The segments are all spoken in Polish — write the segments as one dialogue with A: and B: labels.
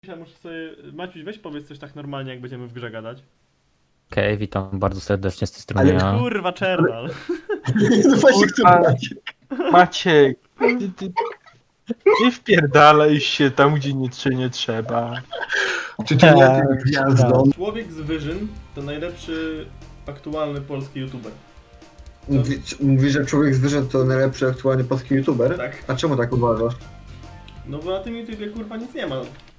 A: Ja muszę sobie... Maciuś, weź powiedz coś tak normalnie, jak będziemy w grze gadać.
B: Okej, witam bardzo serdecznie z tej strony
C: Ale
B: ja.
A: Kurwa, Czernal.
C: No właśnie chcę Maciek.
D: Maciek, nie wpierdalaj się tam, gdzie nie trzeba.
C: Czy to nie tym gwiazdą?
A: Człowiek z Wyżyn to najlepszy aktualny polski youtuber.
C: Mówisz, że Człowiek Zwierzę to najlepszy aktualny polski youtuber?
A: Tak.
C: A czemu tak uważasz?
A: No bo na tym YouTubie kurwa nic nie ma.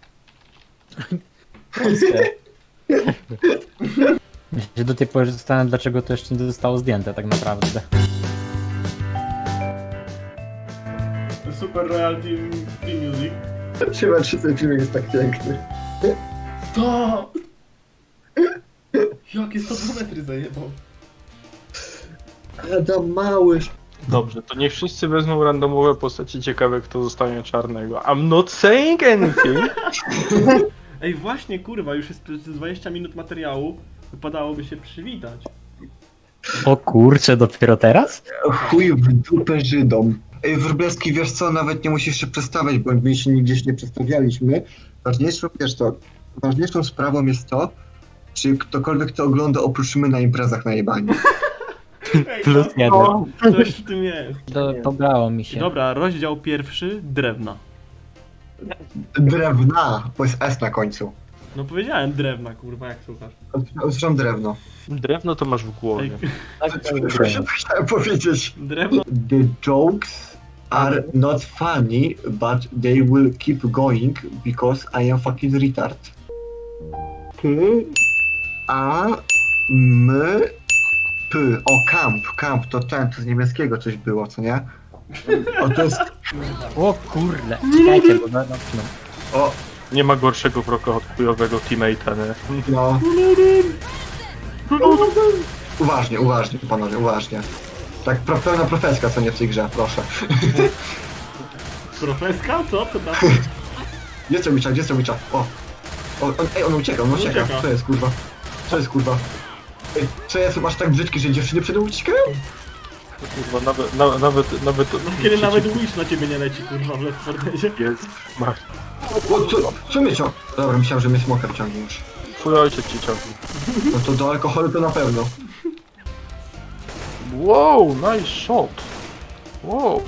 B: Ja się do tej pory zastanawiam, dlaczego to jeszcze nie zostało zdjęte tak naprawdę.
A: Super Royal Team Music.
C: Chyba czy ten filmik jest tak piękny.
A: To! Jakie 100 metry zajebał.
C: Adam Mały.
D: Dobrze, to niech wszyscy wezmą randomowe postacie, ciekawe kto zostanie czarnego. I'm not saying anything.
A: Ej, właśnie kurwa, już jest 20 minut materiału. Wypadałoby się przywitać.
B: O kurczę, dopiero teraz?
C: Chuj w dupę Żydom. Ej, Wróblewski, wiesz co, nawet nie musisz się przedstawiać, bo my się nigdzieś nie przedstawialiśmy. Ważniejszą sprawą jest to, czy ktokolwiek to ogląda oprócz my na imprezach na jebanie.
A: Ej,
B: Plus
A: no,
B: jeden.
A: coś w tym jest.
B: Dobrało mi się.
A: Dobra, rozdział pierwszy, drewna.
C: Drewna, bo jest S na końcu.
A: No powiedziałem drewna, kurwa, jak słuchasz.
C: Usłyszałem drewno.
D: Drewno to masz w głowie.
C: Co chciałem powiedzieć?
A: Drewno.
C: The jokes are not funny, but they will keep going because I am fucking retard. K, A, M, P. O, camp, to z niemieckiego coś było, co nie? O, to jest,
B: O kurde, czekajcie, bo no.
C: o,
D: Nie ma gorszego wroga od chujowego teammate'a, nie?
C: no. Uważnie, panowie, uważnie. Tak, pełna profeska, co nie w tej grze, proszę.
A: Profeska? Co? To tam?
C: Gdzie jest Witcha? O, ej, on ucieka.
A: Ucieka.
C: Co jest, kurwa? Ej, co jest, masz tak brzydki, że dziewczyny przed nią uciekają?
D: Kurwa, nawet...
A: Kiedy nawet Wish na ciebie nie leci, kurwa, w Left 4 Deadzie.
D: Jest, masz.
C: O, co mnie co? Dobra, myślałem, że mnie smoker ciągnie już.
D: Twój ojciec ci ciągnie.
C: No to do alkoholu to na pewno.
D: Wow, nice shot. Wow.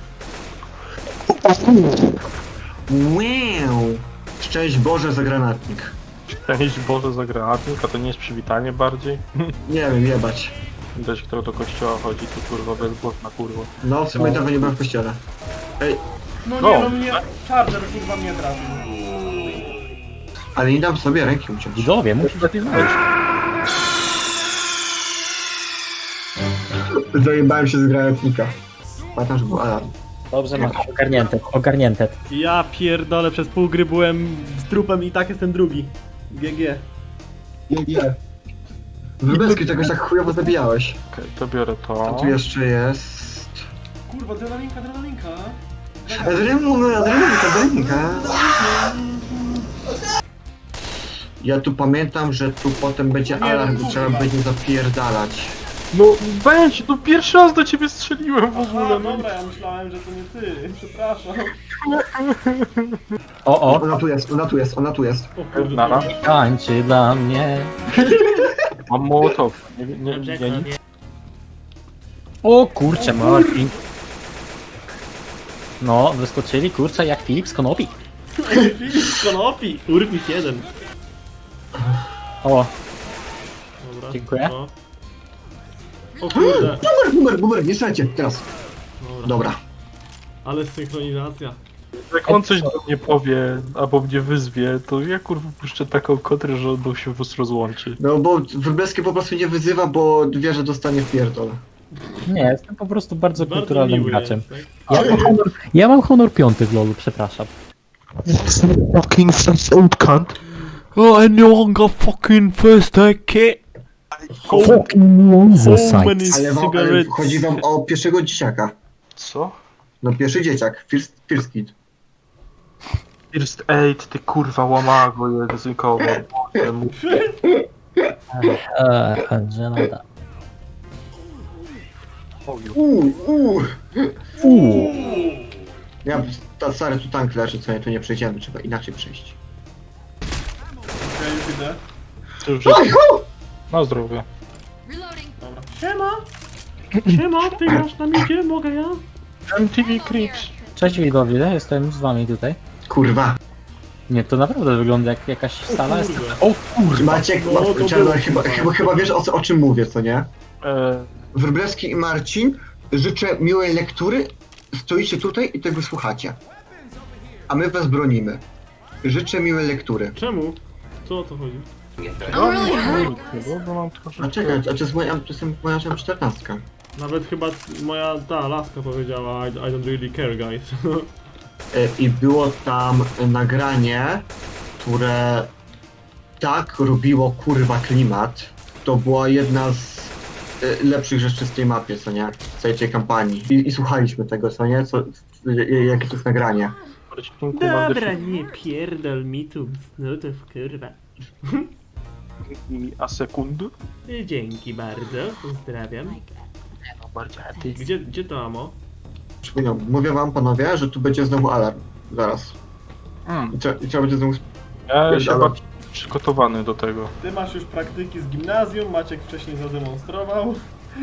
C: Wow! Szczęść Boże za granatnik.
D: Szczęść Boże za granatnik, a to nie jest przywitanie bardziej?
C: Nie wiem, jebać.
D: Widać, kto do kościoła chodzi, to kurwa bezgłosna kurwa.
C: No, w sumie dawno nie byłem w kościele. Ej,
A: No
D: No.
A: nie, no mnie... Charger kurwa mnie trafił.
C: ale nie dam sobie ręki uciąć.
B: Widzowie, musisz lepiej znaleźć.
C: Zajebałem się z granatnika. Pamiętam, że był alarm.
B: Dobrze, masz ogarnięte.
A: Ja pierdolę, przez pół gry byłem z trupem i tak jestem drugi. GG.
C: Nie. Wróblewski, czegoś tak chujowo zabijałeś.
D: Okej, to biorę
C: A
D: to.
C: tu jeszcze jest...
A: Kurwa, adrenalinka.
C: Adrenalinka. Ja tu pamiętam, że tu potem będzie
A: Nie,
C: alarm
A: no
C: i trzeba
A: kurwa.
C: będzie zapierdalać.
D: No weź, no pierwszy raz do ciebie strzeliłem w
A: Aha,
D: ogóle. No.
A: dobra, ja myślałem, że to nie ty. Przepraszam.
B: O,
C: Ona tu jest.
A: O kurde.
D: Nara.
B: tańczy dla mnie.
D: Mam mołotow. Nie.
B: O kurczę, Martin. No, wyskoczyli, kurczę, jak Filip z Konopi.
A: Filip z Konopi. Urwis 1.
B: O,
A: Dobra.
B: Dziękuję.
A: No. O kurde.
C: Boomer, nie strzelajcie, teraz. Dobra.
A: Ale synchronizacja.
D: Jak on coś do mnie powie, albo mnie wyzwie, to ja kurwa puszczę taką kontrę, że on się po prostu rozłączy.
C: No bo Wróblewski po prostu nie wyzywa, bo wie, że dostanie w pierdol.
B: nie, jestem po prostu bardzo
A: Bardzo
B: kulturalnym
A: miły
B: graczem.
A: jest, tak?
B: Ja mam honor 5 w LoLu, przepraszam.
D: Fucking first old cunt.
A: Oh, and no longer fucking first aid kit.
B: Fucking
A: many
C: Ale
A: cigarettes.
C: chodzi wam o pierwszego dzieciaka.
D: Co?
C: No pierwszy dzieciak, first kid.
D: First aid, ty kurwa łamago językowo.
B: Żenada.
C: Uuu.
B: Uuu.
C: Ja, stary, tu tank leży, co nie, tu nie przejdziemy, trzeba inaczej przejść.
A: idę.
D: Cóż, na zdrowie.
A: Dobra. Siema! Siema, ty grasz na midzie, mogę ja?
D: MTV Creeps.
B: Cześć widzowie, jestem z wami tutaj.
C: Kurwa.
B: Nie, to naprawdę wygląda jak jakaś sala. Jest...
A: Kurde.
D: O kurwa.
C: Maciek,
A: No, to
C: Czarno,
A: było,
C: chyba wiesz o czym mówię, co nie?
D: E,
C: Wróblewski i Marcin, życzę miłej lektury, stoicie tutaj i tego słuchacie. A my was bronimy. Życzę miłej lektury.
A: Czemu? Co o to chodzi?
D: bo mam
C: A
D: troszeczkę...
C: czekaj, a to jest moja 14.
A: Nawet chyba moja ta laska powiedziała I don't really care, guys.
C: I było tam nagranie, które tak robiło kurwa klimat. To była jedna z lepszych rzeczy z tej mapie, co nie? W całej tej kampanii. I słuchaliśmy tego, co nie? Jakie to jest nagranie.
A: Dobra, nie pierdol mi tu snutów, kurwa.
D: A sekundy?
A: Dzięki bardzo, pozdrawiam.
D: No bardziej ty.
A: Gdzie to amo?
C: Przypominam, mówię wam panowie, że tu będzie znowu alarm. Zaraz. I trzeba będzie znowu...
D: Ja się
C: Pierdolę.
D: bardziej przygotowany do tego.
A: Ty masz już praktyki z gimnazjum, Maciek wcześniej zademonstrował.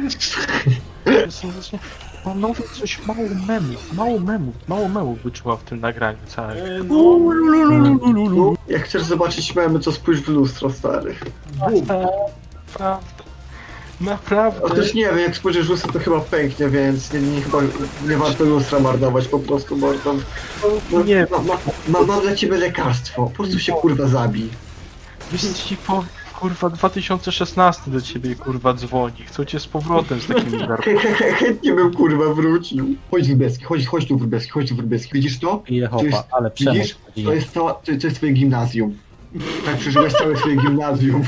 D: Panowie, coś mało memów wyczuła w tym nagraniu całym.
A: No,
C: Jak chcesz zobaczyć memy, to spójrz w lustro, stary.
A: bum.
D: Naprawdę. Naprawdę.
C: Otóż nie wiem, jak spojrzysz w lustro, to chyba pęknie, więc chyba nie warto lustra marnować po prostu, mordą.
D: Nie.
C: Mam dla ciebie lekarstwo, po prostu się kurwa zabij.
D: Wiesz ci kurwa 2016 do ciebie kurwa dzwoni. Chcą cię z powrotem z takimi garkami.
C: Chętnie bym kurwa wrócił. Chodź Wróblewski, chodź tu Wróblewski. Widzisz to?
B: Ile
C: To jest-
B: hopa, ale przemoc.
C: Widzisz? To jest twoje gimnazjum. Tak przeżyłeś całe swoje gimnazjum.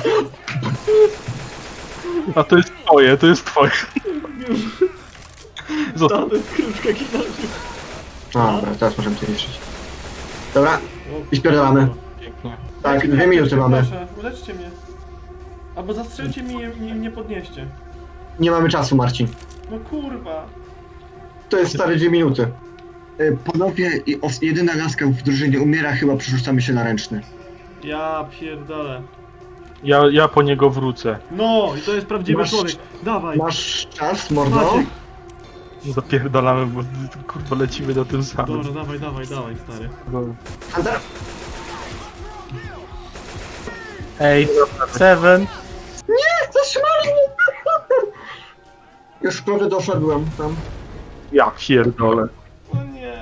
D: A to jest twoje. Zostaw.
A: To jest kruczka gimnazjum.
C: Dobra, teraz możemy to niszczyć. Dobra, i spierdalamy.
D: Pięknie.
C: Tak, 2 minuty mamy.
A: Proszę, uleczcie mnie. Albo zastrzelcie mnie i nie podnieście.
C: Nie mamy czasu, Marcin.
A: No kurwa.
C: To jest stare 2 minuty. Panowie, jedyna laska w drużynie umiera, chyba przerzucamy się na ręczny.
A: Ja pierdolę.
D: Ja po niego wrócę.
A: No i to jest prawdziwy
C: Masz-
A: człowiek. Dawaj.
C: Masz czas, mordo?
A: Maciek.
D: Zapierdalamy, bo kurwa lecimy na tym samym.
A: Dobra, dawaj, stary.
C: Hunter?
B: Ej, Seven.
C: Zatrzymali mnie! Już prawie doszedłem tam.
D: Ja pierdolę.
A: O nie.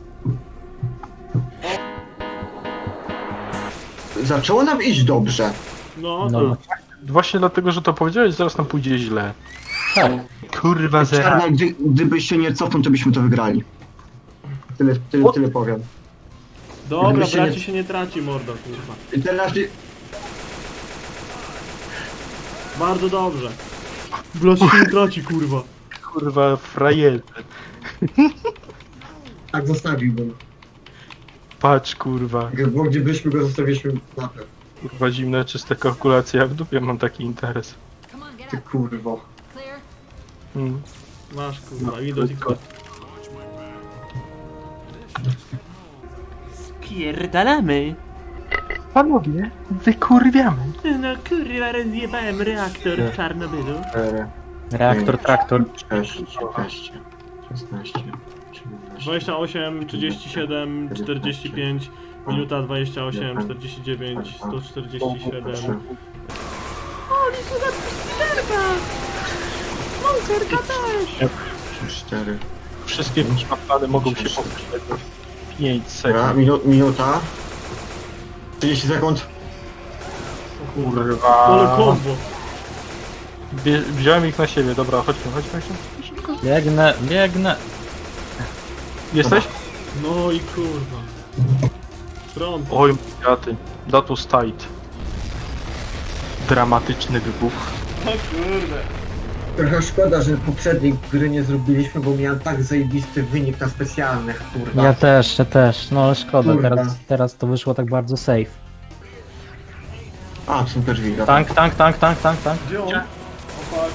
C: Zaczęło nam iść dobrze.
A: No,
B: No,
D: Właśnie dlatego, że to powiedziałeś, zaraz nam pójdzie źle.
B: tak.
D: Kurwa zera.
C: Czarna, gdybyś się nie cofnął, to byśmy to wygrali. Tyle powiem.
A: Dobra,
C: Gdyby się
A: braci
C: nie-
A: się nie traci, mordo, kurwa.
C: I teraz...
A: Bardzo dobrze. Braci się nie traci, kurwa.
D: Kurwa frajerze.
C: Tak zostawiłbym.
D: Patrz kurwa.
C: Bo gdybyśmy go zostawiliśmy na pewno.
D: Kurwa zimne, czyste kalkulacje. Ja w dupie mam taki interes.
C: Ty kurwo.
D: Mm.
A: Masz, kurwa, i do tylko. Spierdalamy.
D: Panowie, wykurwiamy.
A: No kurwa, rozjebałem reaktor w Czarnobylu.
C: 4,
B: Reaktor, traktor.
C: 6, 15, 16, 17.
A: 28, 37, 45, minuta 28, 49, 147.
C: 4.
D: Wszystkie kurwa plany mogą się powtórzyć. 5
C: Dobra,
D: sekund.
C: minuta. 30 sekund.
D: Kurwa.
A: Ale kombo.
D: Wziąłem ich na siebie, dobra, chodźmy. Szybko.
B: Biegnę.
D: Jesteś?
A: No i kurwa. Front.
D: Oj, jaty. That was tight. Dramatyczny wybuch.
A: O kurde.
C: Trochę szkoda, że poprzedniej gry nie zrobiliśmy, bo miałem tak zajebisty wynik na specjalnych, kurwa.
B: Ja też. No ale szkoda,
C: Kurwa.
B: teraz to wyszło tak bardzo safe.
C: A, to są te drzwi.
B: Tank.
A: Gdzie on? O fuck.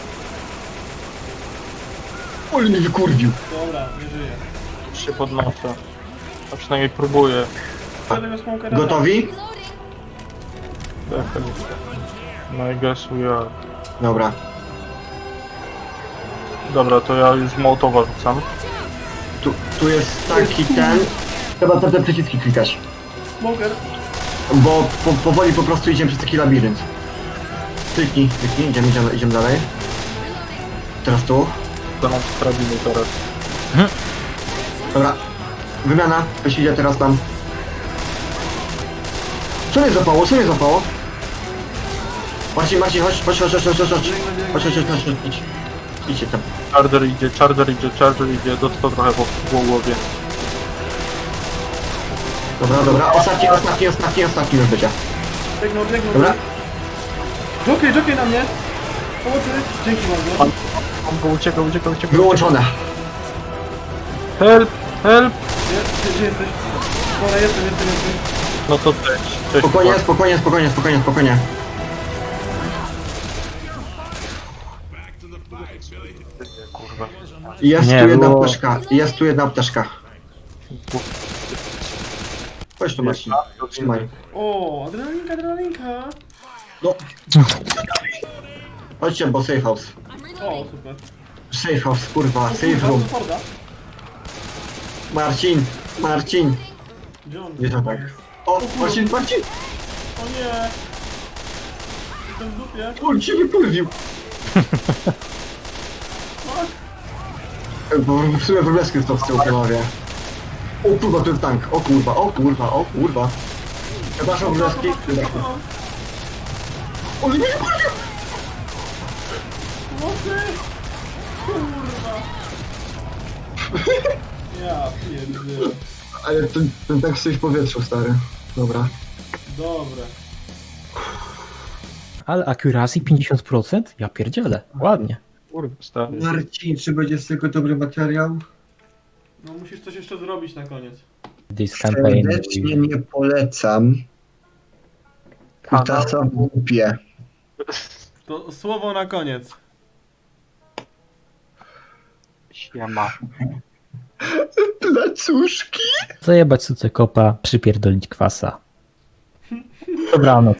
C: Oj, mnie wykurwił.
A: Dobra, nie żyje.
D: Się podnoszę. A przynajmniej próbuję.
A: Tego smokera.
C: Gotowi?
D: No I guess we are.
C: Dobra.
D: Dobra, to ja już Mołotowa rzucam.
C: Tu jest taki ten... Trzeba te przyciski klikać.
A: Smoker.
C: Bo powoli po prostu idziemy przez taki labirynt. Kliknij, idziemy dalej. Teraz tu.
D: To nam sprawimy teraz.
C: Dobra. Wymiana. Ktoś idzie teraz tam. Co mnie złapało? Co mnie złapało? Marcin, chodź. Chodź. Idźcie tam.
D: Charger idzie, dostał trochę po głowie.
C: Dobra. Ostatni już będzie.
A: Biegnął.
C: Dobra.
A: Jockey na mnie. Pomocy. Dzięki bardzo.
D: On go uciekał.
C: Wyłączone.
D: Help!
A: Gdzie jesteś? Dobra, jestem.
D: No to cześć.
C: Spokojnie.
D: Kurwa.
C: Jest
B: Nie,
C: tu jedna
B: było-
C: apteczka. Chodź tu Marcin. Trzymaj.
A: O, adrenalinka.
C: No. Chodźcie, bo safe house.
A: O, super.
C: Safe house, kurwa, safe room.
A: Forda.
C: Marcin.
A: Gdzie on?
C: Nie to tak. O, Marcin.
A: O nie. Jestem w dupie.
C: On cię wykurwił. Bo w sumie wróbleski to z tyłu panowie. O kurwa, tu jest tank. O kurwa. Przepraszam, wróbleski. On mnie wykurwił.
A: Pomocy. Kurwa. Ja pierdzielę.
C: Ale ten tank coś w powietrzu, stary. Dobra.
A: Dobre.
B: Ale accuracy 50%? Ja pierdzielę. Ładnie.
D: Kurwa, stary.
C: Marcin, czy będzie z tego dobry materiał?
A: No musisz coś jeszcze zrobić na koniec.
B: This campaign.
C: Serdecznie nie polecam. Kutasa w głupie.
A: To słowo na koniec.
D: Siema.
C: Placuszki.
B: Zajebać suce kopa, przypierdolić kwasa. Dobranoc.